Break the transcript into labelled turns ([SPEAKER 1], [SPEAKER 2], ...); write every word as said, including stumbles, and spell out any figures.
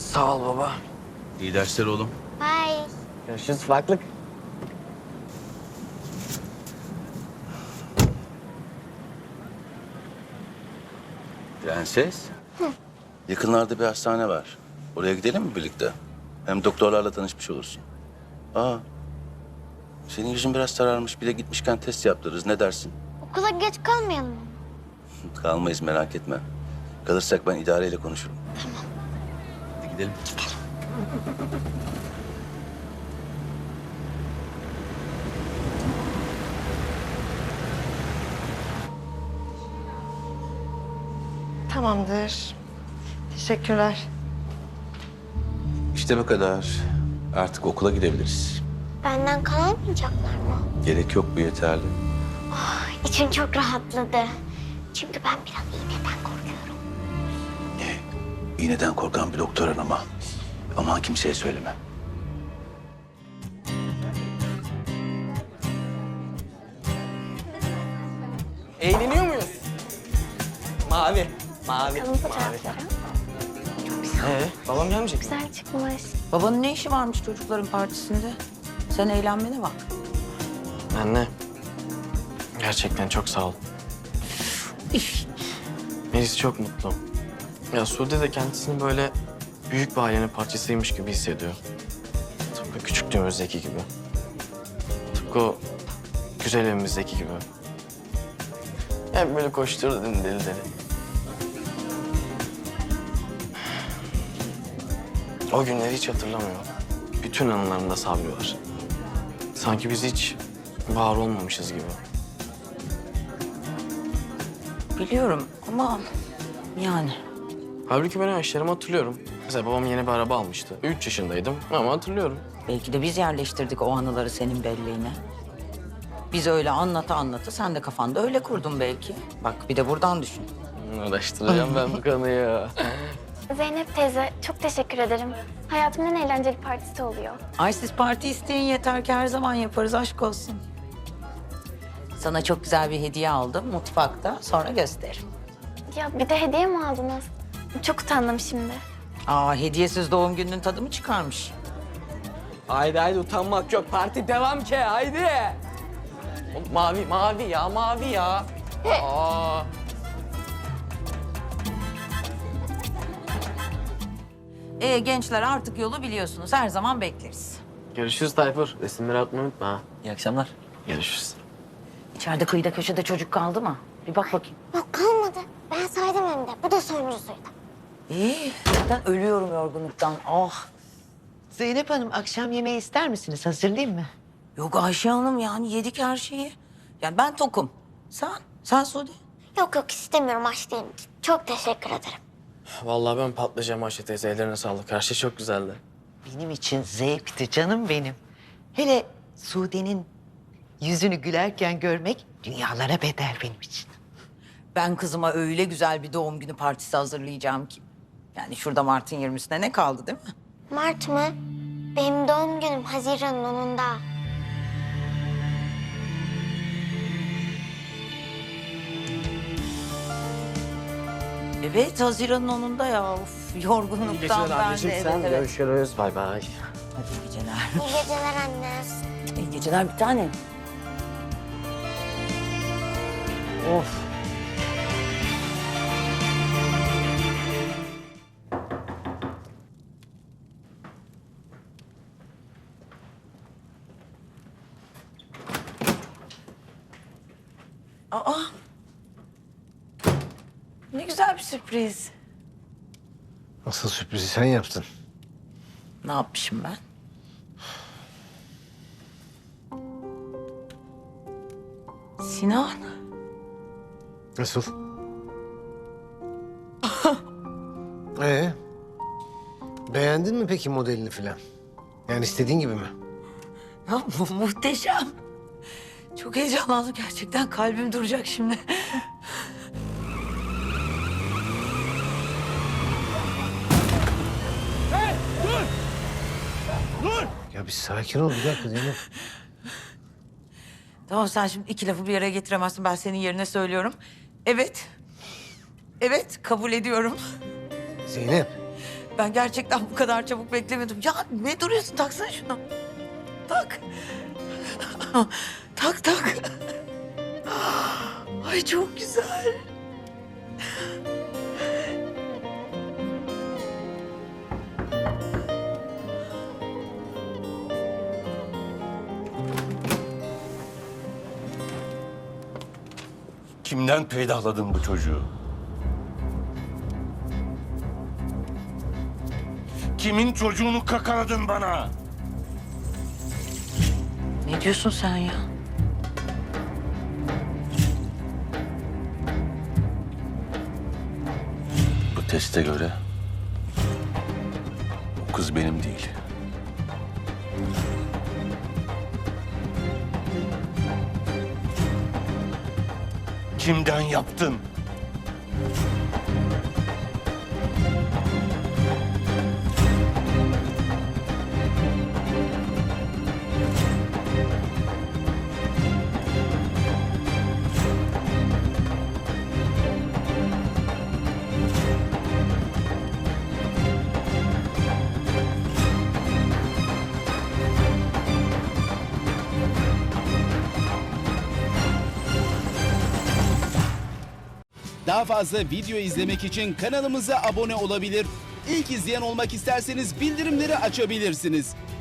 [SPEAKER 1] Sağ ol baba.
[SPEAKER 2] İyi dersler oğlum.
[SPEAKER 3] Bye.
[SPEAKER 1] Görüşürüz ufaklık.
[SPEAKER 2] Prenses. Yakınlarda bir hastane var. Oraya gidelim mi birlikte? Hem doktorlarla tanışmış olursun. Aa. Senin yüzün biraz sararmış. Bir de gitmişken test yaptırırız. Ne dersin?
[SPEAKER 3] Okula geç kalmayalım mı?
[SPEAKER 2] Kalmayız, merak etme. Kalırsak ben idareyle konuşurum.
[SPEAKER 3] Tamam.
[SPEAKER 2] Hadi gidelim.
[SPEAKER 4] Tamamdır. Teşekkürler.
[SPEAKER 2] İşte bu kadar. Artık okula gidebiliriz.
[SPEAKER 3] Benden kalmayacaklar mı?
[SPEAKER 2] Gerek yok, bu yeterli.
[SPEAKER 3] İçim çok rahatladı. Çünkü ben biraz iğneden korkuyorum.
[SPEAKER 2] Ne? İğneden korkan bir doktor hanıma. Aman kimseye söyleme.
[SPEAKER 1] Eğleniyor muyuz? Mavi. Mavi.
[SPEAKER 3] Bakalım fotoğraflara.
[SPEAKER 1] Ee, babam gelmeyecek mi?
[SPEAKER 3] Güzel çıkmış.
[SPEAKER 5] Babanın ne işi varmış çocukların partisinde? Sen eğlenmene bak.
[SPEAKER 1] Anne. Gerçekten çok sağ ol. Melis çok mutlu. Ya Sude de kendisini böyle büyük bir ailenin parçasıymış gibi hissediyor. Tıpkı küçüklüğümüzdeki gibi. Tıpkı o güzel evimizdeki gibi. Hep böyle koşturdu deli deli. O günleri hiç hatırlamıyor. Bütün anılarında Sabri var. Sanki biz hiç var olmamışız gibi.
[SPEAKER 5] Biliyorum ama yani.
[SPEAKER 1] Halbuki ben o yaşlarımı hatırlıyorum. Mesela babam yeni bir araba almıştı. Üç yaşındaydım ama hatırlıyorum.
[SPEAKER 5] Belki de biz yerleştirdik o anıları senin belleğine. Biz öyle anlata anlata sen de kafanda öyle kurdun belki. Bak bir de buradan düşün.
[SPEAKER 1] Uğraştıracağım ben bu konuyu.
[SPEAKER 3] Zeynep teyze çok teşekkür ederim. Hayatımın en eğlenceli partisi oluyor.
[SPEAKER 5] Ay siz parti isteyin yeter ki her zaman yaparız, aşk olsun. Sana çok güzel bir hediye aldım mutfakta, sonra gösteririm.
[SPEAKER 3] Ya bir de hediye mi aldınız? Çok utandım şimdi.
[SPEAKER 5] Aa, hediyesiz doğum gününün tadı mı çıkarmış?
[SPEAKER 1] Haydi haydi utanmak yok. Parti devam ki haydi. Oğlum, mavi mavi ya mavi ya. Aa.
[SPEAKER 5] Ee, gençler artık yolu biliyorsunuz, her zaman bekleriz.
[SPEAKER 1] Görüşürüz Tayfur. Resimleri atmayı unutma ha.
[SPEAKER 6] İyi akşamlar.
[SPEAKER 1] Görüşürüz.
[SPEAKER 5] İçeride kıyıda köşede çocuk kaldı mı? Bir bak bakayım.
[SPEAKER 3] Yok kalmadı. Ben saydım hem de. Bu da sonuncusuydu.
[SPEAKER 5] İyi, zaten ölüyorum yorgunluktan. Ah.
[SPEAKER 4] Zeynep Hanım akşam yemeği ister misiniz? Hazırlayayım mı?
[SPEAKER 5] Yok Ayşe Hanım yani yedik her şeyi. Yani ben tokum. Sen? Sen Sude?
[SPEAKER 3] Yok yok istemiyorum aç değilim. Çok teşekkür ederim.
[SPEAKER 1] Vallahi ben patlayacağım Ayşe teyze. Ellerine sağlık. Her şey çok güzeldi.
[SPEAKER 4] Benim için zevkti canım benim. Hele Sude'nin yüzünü gülerken görmek dünyalara bedel benim için.
[SPEAKER 5] Ben kızıma öyle güzel bir doğum günü partisi hazırlayacağım ki. Yani şurada Mart'ın yirmisine ne kaldı değil mi?
[SPEAKER 3] Mart mı? Benim doğum günüm Haziran'ın onunda.
[SPEAKER 5] Evet, Haziran'ın onunda ya. Of, yorgunluktan ben de. Evet, evet.
[SPEAKER 1] Görüşürüz. Bay bay.
[SPEAKER 5] Hadi iyi geceler.
[SPEAKER 3] İyi geceler anne.
[SPEAKER 5] İyi geceler bir tane. Of. Aa. Ne güzel bir sürpriz.
[SPEAKER 7] Asıl sürprizi sen yaptın.
[SPEAKER 5] Ne yapmışım ben? Sinan.
[SPEAKER 7] Nasıl? Ee, beğendin mi peki modelini falan? Yani istediğin gibi mi?
[SPEAKER 5] Ya mu- muhteşem. Çok heyecanlandım gerçekten. Kalbim duracak şimdi.
[SPEAKER 7] Ya bir sakin ol bir dakika Zeynep.
[SPEAKER 5] Tamam sen şimdi iki lafı bir yere getiremezsin. Ben senin yerine söylüyorum. Evet. Evet kabul ediyorum.
[SPEAKER 7] Zeynep.
[SPEAKER 5] Ben gerçekten bu kadar çabuk beklemedim. Ya ne duruyorsun? Taksana şunu. Tak. Tak tak. Ay çok güzel.
[SPEAKER 2] Kimden peydahladın bu çocuğu? Kimin çocuğunu kakaladın bana?
[SPEAKER 5] Ne diyorsun sen ya?
[SPEAKER 2] Bu teste göre o kız benim değil. Kimden yaptın?
[SPEAKER 6] Daha fazla video izlemek için kanalımıza abone olabilir. İlk izleyen olmak isterseniz bildirimleri açabilirsiniz.